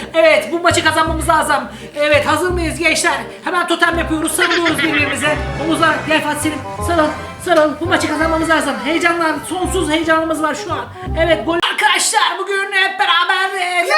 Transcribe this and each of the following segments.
Evet, bu maçı kazanmamız lazım. Evet, hazır mıyız gençler? Hemen totem yapıyoruz, sarılıyoruz birbirimize. Omuzlar, gel Fatih Selim, sarıl. Sarıl, bu maçı kazanmamız lazım. Heyecanlar, sonsuz heyecanımız var şu an. Evet, gol. Arkadaşlar bugün hep beraber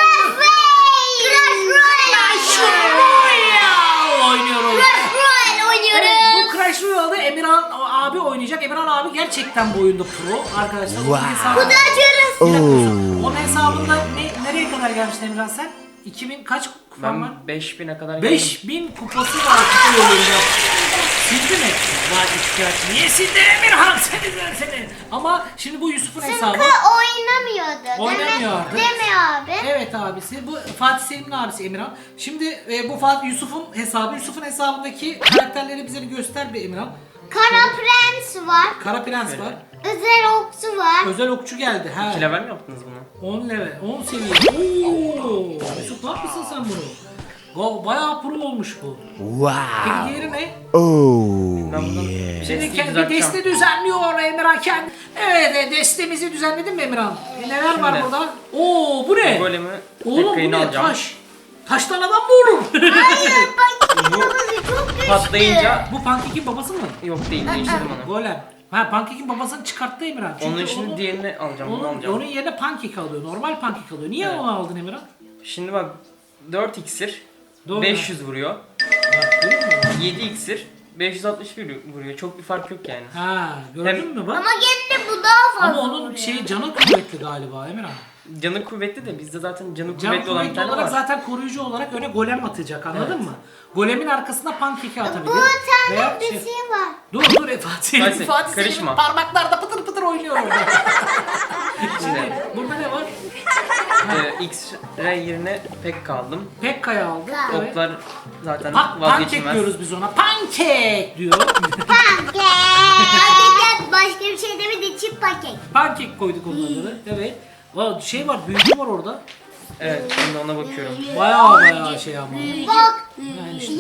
Clash Royale oynuyoruz. Evet, bu Clash Royale'da Emirhan abi oynayacak. Emirhan abi gerçekten bu oyunda pro arkadaşlar. Kutu açıyoruz. Onun hesabında nereye kadar gelmiştin Emirhan sen? 2000 kaç kupon var? Ben 5000'e kadar geldim. 5000 kupası var kupa yolunda. Sildi mi? Var ihtiyaç. Niye sildi Emirhan seni? Ama şimdi bu Yusuf'un hesabı. Çünkü oynamıyordu. Oynamıyordu. Deme abi. Evet abisi. Bu Fatih Selim'in abisi Emirhan. Şimdi bu Yusuf'un hesabı. Yusuf'un hesabındaki karakterleri bize bir göster bir Emirhan. Kara Prens var. Kara Prens var. Özel Okçu var. Özel okçu geldi. 2 level mi yaptınız bunu? 10 level, 10 seviye. Oo! Yusuf ne yapmışsın sen bunu? Bayağı pro olmuş bu. Peki diğeri ne? Ben bundan bir Şimdi desteği kendi düzelteceğim. deste düzenliyor Emirhan kendi. Evet, destemizi düzenledin mi Emirhan? Neler var Şimdi. burada? Oo, bu ne? Golemi Oğlum bu Pekka'yı ne? alacağım. Taş. Taştan adam mı olur? Hayır bak babası çok güçlü. Patlayınca Bu Pancake'in babası mı? yok değil, değiştirdim onu. Golem. Ha, Pancake'in babasını çıkarttı Emirhan. Çünkü Onun şimdi diğerini alacağım, bunu alacağım. onun yerine Pancake alıyor. Normal Pancake alıyor. Niye Evet. onu aldın Emirhan? Şimdi bak 4 iksir Doğru. 500 vuruyor. Bak, görüyor musun? 7 iksir 560 vuruyor. Çok bir fark yok yani. Ha, gördün Hem- mü bak? Ama gene de bu daha fazla. Ama onun canı kuvvetli galiba Emirhan. Canı kuvvetli de bizde zaten canı Can kuvvetli olan bir kuvvetli tane olarak var. zaten koruyucu olarak öne golem atacak, anladın Evet. mı? Golemin arkasına Pancake'i atabilir. Bu Veya tane bir şey var. Dur Fatih Fatih, Fatih karışma. Selim'in parmaklarda pıtır pıtır oynuyor orada. Şimdi Burada ne var? X-ray yerine Pekka aldım. Pekka'yı aldık. Evet. Oklar zaten Pancake vazgeçilmez. diyoruz biz ona. Pancake diyor. Pankek. Başka bir şey demedi. Çip pankek. Pancake koyduk onun adını. Evet. Şey var, büyücü var orada. Evet, şimdi ona bakıyorum. Bayağı şey ama. Bak. Yani işte.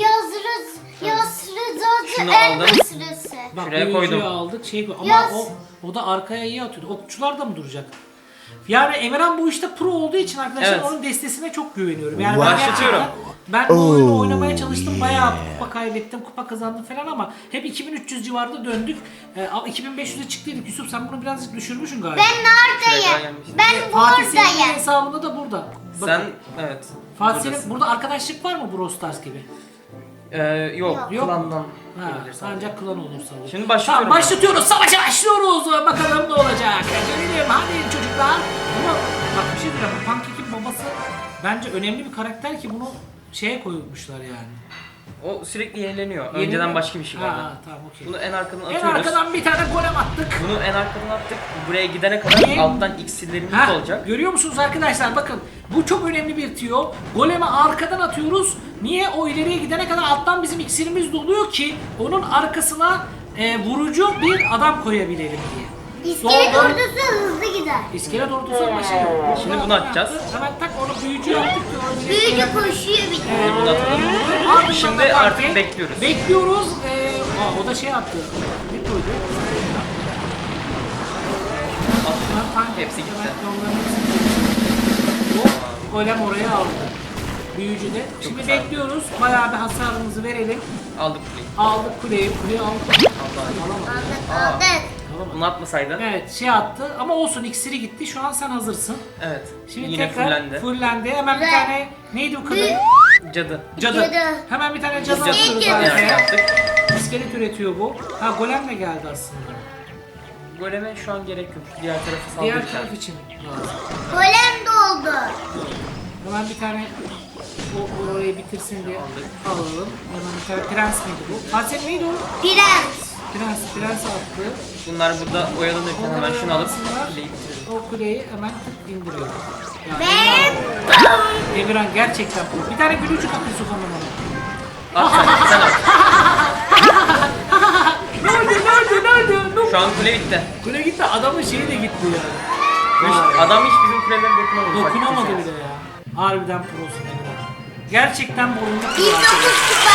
Şunu elma aldım. sırası. Bak Şuraya büyücüyü koydum. aldık ama Yaz. o da arkaya iyi atıyordu. Okçular da mı duracak? Yani Emirhan bu işte pro olduğu için arkadaşlar Evet. onun destesine çok güveniyorum. Yani Başlatıyorum. ben bu oyunu oynamaya çalıştım. Bayağı kupa kaybettim, kupa kazandım falan ama hep 2300 civarında döndük. 2500'e çıktıydık. Yusuf sen bunu birazcık düşürmüşsün galiba. Ben Şuraya neredeyim? gelmiştim. Ben Fatih Selim'in buradayım. hesabında da burada. Bakın, Sen evet. Fatih buradasın. Selim burada arkadaşlık var mı Brawl Stars gibi? Yok, Yok. klandan Ha, gelebilir sadece. ancak klan olursa olur. Şimdi başlıyorum. Tamam, başlatıyoruz. Savaşa başlıyoruz. Bakalım ne olacak. Gelelim hadi çocuklar. Ama bak bir şey diyeceğim. Bu Pancake'in babası bence önemli bir karakter ki bunu şeye koymuşlar yani. O sürekli yenileniyor. Yeni Önceden mi? başka bir şey vardı. Ha, tamam okey. Bunu en arkadan En atıyoruz. arkadan bir tane golem attık. Bunu en arkadan attık. Buraya gidene kadar Niye? alttan iksirlerimiz Ha, olacak. görüyor musunuz arkadaşlar, bakın bu çok önemli bir tüyo. Golemi arkadan atıyoruz. Niye? O ileriye gidene kadar alttan bizim iksirimiz doluyor ki onun arkasına vurucu bir adam koyabilelim diye. İskelet Doğru. ordusu hızlı gider. İskelet ordusu ama şey yok. Şimdi bunu atacağız. Hemen tak onu büyücü yaptık. Büyücü koşuyor bir de. Bunu atalım. Ardından Şimdi da artık Pancake. bekliyoruz. Bekliyoruz. O da şey attı. Bir koydu. Hepsi gitti. Golem oraya aldı. Büyücü de. Şimdi güzel. bekliyoruz. Bayağı bir hasarımızı verelim. Aldık kuleyi. Aldık kuleyi aldık. Alamadık. Aldık. Alamadık. Bunu atmasaydın. Evet şey attı ama olsun, iksiri gitti. Şu an sen hazırsın. Evet. Şimdi Yine tekrar fullendi. Hemen bir Güzel. tane neydi o kadın? Cadı. Cadı. Cadı. Hemen bir tane cadı Cadı. atıyoruz Cadı. Evet, arkaya. yaptık. İskelet üretiyor bu. Ha golem de geldi aslında. Goleme şu an gerek yok. Diğer tarafı Diğer saldırırken. taraf için lazım. Golem doldu. Hemen bir tane orayı bitirsin diye Aldık. alalım. Hemen bir tane prens miydi bu? Fatih neydi o? Prens. Prens attı. Bunlar burada oyalanırken Onlar hemen şunu alıp oyalansınlar. kuleyi bitirelim. O kuleyi hemen tık indiriyor. Yani Ve Emirhan gerçekten bu. Bir tane gülücük at Yusuf Hanım ona. At sen at. Nerede? Şu an kule bitti. Kule gitti, adamın şeyi de gitti ya. Adam hiç bizim kulelere dokunamadı. Dokunamadı Bak, bile ya. Harbiden prosun Emirhan. Gerçekten bu oyunda pro. 109 kupa.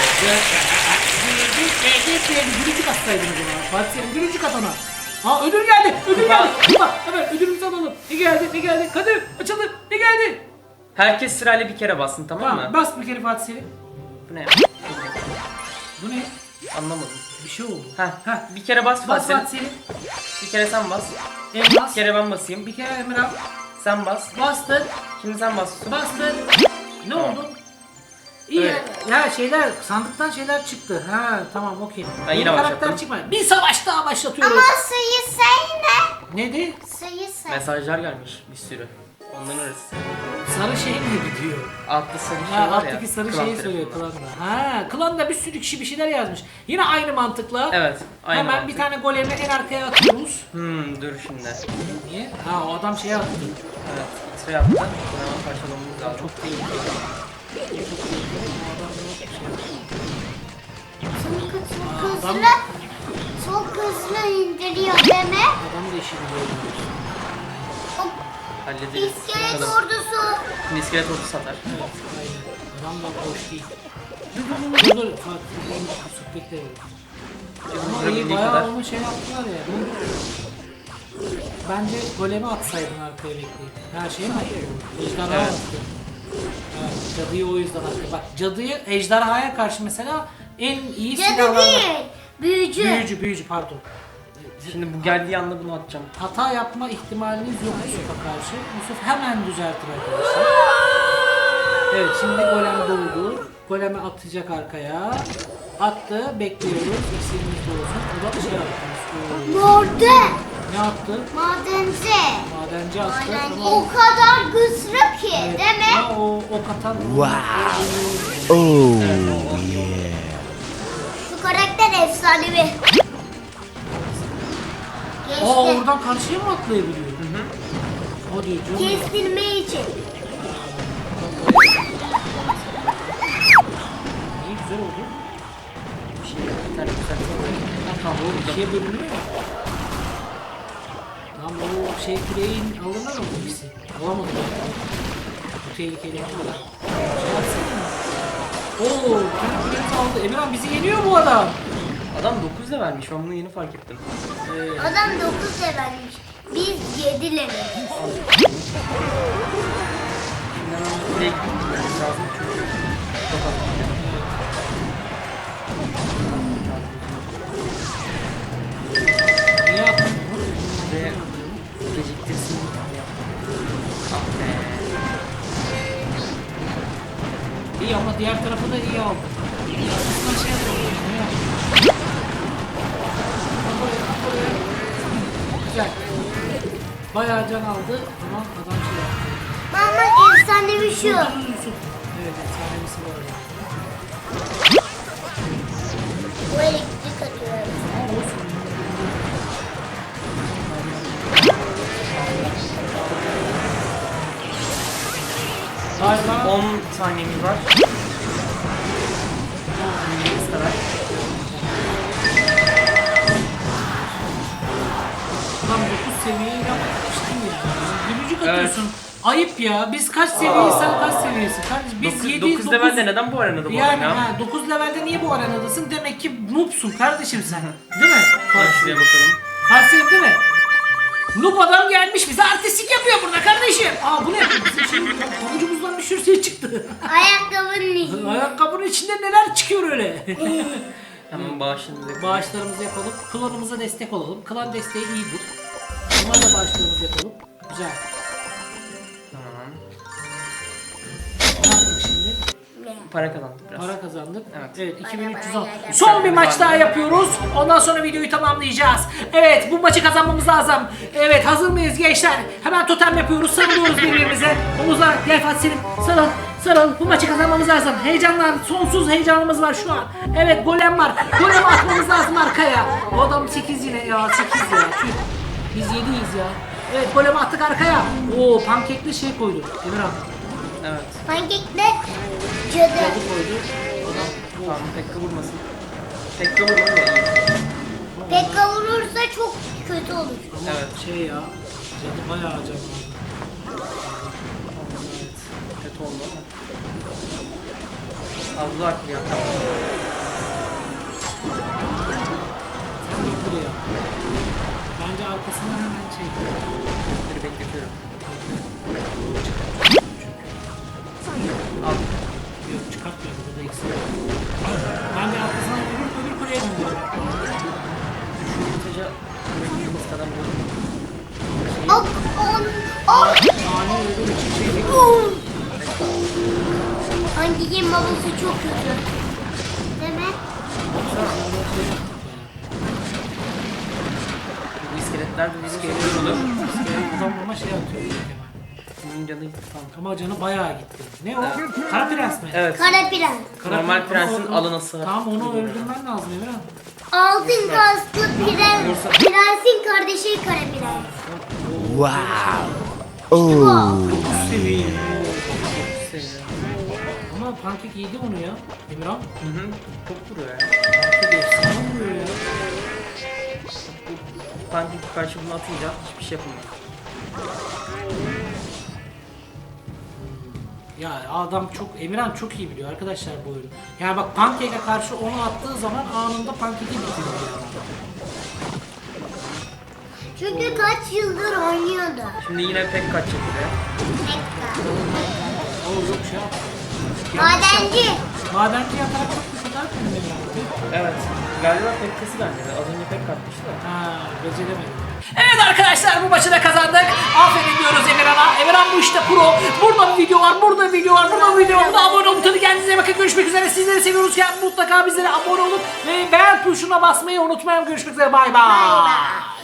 Gülücük atsaydınız ona. Fatih Selim gülücük at ona. Ha ödül geldi. Ödül geldi. Kupa. Hemen ödülümüzü alalım. Ne geldi? Kadir açıldı. Ne geldi? Herkes sırayla bir kere bassın, tamam Tamam mı? bas bir kere Fatih Selim. Bu ne ya? Bu ne? Anlamadım. Bir şey oldu. Heh. Bir kere bas Bas Fatih. Fatih Selim. Bir kere sen bas. Elmas. Bir kere ben basayım. Bir kere Emirhan. Sen bas. Bastın. Şimdi sen bas. Bastın. Ne Tamam. oldu? İyi. Evet. Ya şeyler sandıktan şeyler çıktı. Ha tamam okey. Ben yine Yeni karakter başlattım. çıkmadı. Bir savaş daha başlatıyoruz. Ama sayı say ne? Neydi? Sayı say. Mesajlar gelmiş bir sürü. Onların arası. Sarı şey mi gidiyor? Altta sarı şey Ha, var ya. alttaki sarı klan şeyi söylüyor tarafında. klanda. Ha, klanda bir sürü kişi bir şeyler yazmış. Yine aynı mantıkla. Evet. Aynı Hemen mantık. bir tane golemi en arkaya atıyoruz. Dur şimdi. Niye? Ha o adam şeye attı. Evet. X-ray yaptı. Bunu hemen parçalamamız lazım. Çok tehlikeli. Çok tehlikeli. O adam yok bir şey yaptı. Çok hızlı. Çok hızlı indiriyor deme. Adamı da işi biliyor. Hallederiz. İskelet Bakalım. ordusu. Şimdi iskelet ordusu satar. Evet, aynen. Adam da boş değil. Dur, Fatih bekle. Ama iyi Vurabildiği bayağı kadar. onu şey yaptılar ya. Bence golemi atsaydın arkaya bekleyip. Her şey mi attı? Ejderha Evet. attı. Evet, cadıyı o yüzden attı. Bak cadıyı ejderhaya karşı mesela en iyi Cadı silahlardan. değil. Büyücü. Büyücü pardon. Şimdi bu geldiği anda bunu atacağım. Hata yapma ihtimaliniz yok Yusuf'a karşı. Yusuf hemen düzeltir arkadaşlar. Evet şimdi golem doldu. Golemi atacak arkaya. Attı. Bekliyoruz. İksirimiz de olsun. O da şey attı. Morde. Ne attı? Madenci. Madenci attı. Ama O kadar güçlü ki evet, değil mi? ama o katan. Şu karakter efsanevi. Aa Geçti. oradan karşıya mı atlayabiliyor? O diyor canım. Kestirme için. İyi güzel oldu. Bir tane güzel. Tamam o ikiye bölünüyor ya. Tamam o şey küreğin alırlar mı bu ikisi? Alamadı ben. Bu tehlikeli bir şey. Şey yapsana. Oo, bütün küreğimizi aldı. Emirhan bizi yeniyor bu adam. Adam 9 da vermiş. Ben bunu yeni fark ettim. Adam 9 levelmiş. Biz 7 leveliz. Şimdi hemen buraya gitmemiz lazım çünkü çok az kaldı. Niye attın bunu? Ve geciktirsin. Ah be. İyi ama diğer tarafı da iyi aldı. Aslında şey yapalım. Ne yapalım? Güzel. Bayağı can aldı ama adam şey yaptı. Ama efsanevi şu. Yusuf. Evet efsanesi var orada. Bu elektrik atıyor. Ama olsun. Galiba 10 saniyemiz var. Bu kadar. tam 9 seviyeyi yapmıştın ya. Gülücük atıyorsun. Ayıp ya. Biz kaç seviyeyiz sen kaç seviyesin? Kardeşim biz 7 9 levelde neden bu arenada bu yani arada? ha, 9 levelde niye bu arenadasın? Demek ki noobsun kardeşim sen. Değil mi? Hadi şuraya bakalım. Farsi değil mi? Noob adam gelmiş bize artistik yapıyor burada kardeşim. Aa bu ne? Bizim şey pabucumuzdan bir sürü şey çıktı. Ayakkabının içinde. Ayakkabının içinde neler çıkıyor öyle? Hemen bağışınızı yapalım. Bağışlarımızı yapalım. Klanımıza destek olalım. Klan desteği iyidir. Bunlarla bağışlarımızı yapalım. Güzel. Tamam. Ne yaptık şimdi? Para kazandık biraz. Para kazandık. Evet. 2310. Son bir maç daha yapıyoruz. Ondan sonra videoyu tamamlayacağız. Evet bu maçı kazanmamız lazım. Evet hazır mıyız gençler? Hemen totem yapıyoruz. Sarılıyoruz birbirimize. Omuzlar gel Fatih Selim. Sarıl. Sarıl. Bu maçı kazanmamız lazım. Heyecanlar. Sonsuz heyecanımız var şu an. Evet golem var. Golem atmamız lazım arkaya. O adam 8 yine ya. 8 ya. Tüh. Biz 7'yiz ya. Evet golem attık arkaya. Oo pankekli şey koydu. Emirhan. Evet. Pankekle cadı. Cadı koydu. Tamam Pekka vurmasın. Pekka vurmadı da iyi. Pek kavurursa çok kötü olur. Ama Evet. şey ya. Cadı bayağı acayip. Evet. Kötü oldu ama. Allah ya. Sen git buraya. Bence arkasına hemen çek. Dur bekletiyorum. Yok çıkartmıyor. Burada eksik. Ben de arkasından öbür kuleye döndürüyorum. Kısaca bırakılmış kadar böyle. Ok, on. Ani öbür için şey değil. Hangi game babası çok kötü. Değil mi? Bu iskeletler de bizim iskelet olur. Adam ama şey atıyor. Bunun canı gitti tam. Ama canı bayağı gitti. Ne o? Kara Prens mi? Evet. Kara Prens. Normal Ama prensin o- alınası var. Tamam onu öldürmen lazım Emirhan. Altın kasklı prensin kardeşi Kara Prens. Seviye. Seviyorum. Ama Pankek yedi onu ya. Emirhan. Hı hı. Çok vuruyor ya. Pankek efsane vuruyor ya. Pankek karşı bunu atınca hiçbir şey yapamıyor. Ya adam çok, Emirhan çok iyi biliyor arkadaşlar bu oyunu. Yani bak Pancake'e karşı onu attığı zaman anında Pancake'i bitiriyor yani. Çünkü kaç yıldır oynuyordu. Şimdi yine pek kaçacak buraya. O yok şey yaptı. Madenci. Madenci yatarak çok bir kadar mı Emirhan? Evet. Galiba pekkası bence de. Az önce pek katmıştı da. Ha, beceremedim. Evet arkadaşlar bu maçı da kazandık. Aferin diyoruz Emirhan'a. Emirhan bu işte pro. Burada bir video var, burada bir video var, burada bir video var. Burada abone olun. Tabii kendinize iyi bakın. Görüşmek üzere. Sizleri seviyoruz. Mutlaka bizlere abone olun. Ve beğen tuşuna basmayı unutmayın. Görüşmek üzere. Bay bay.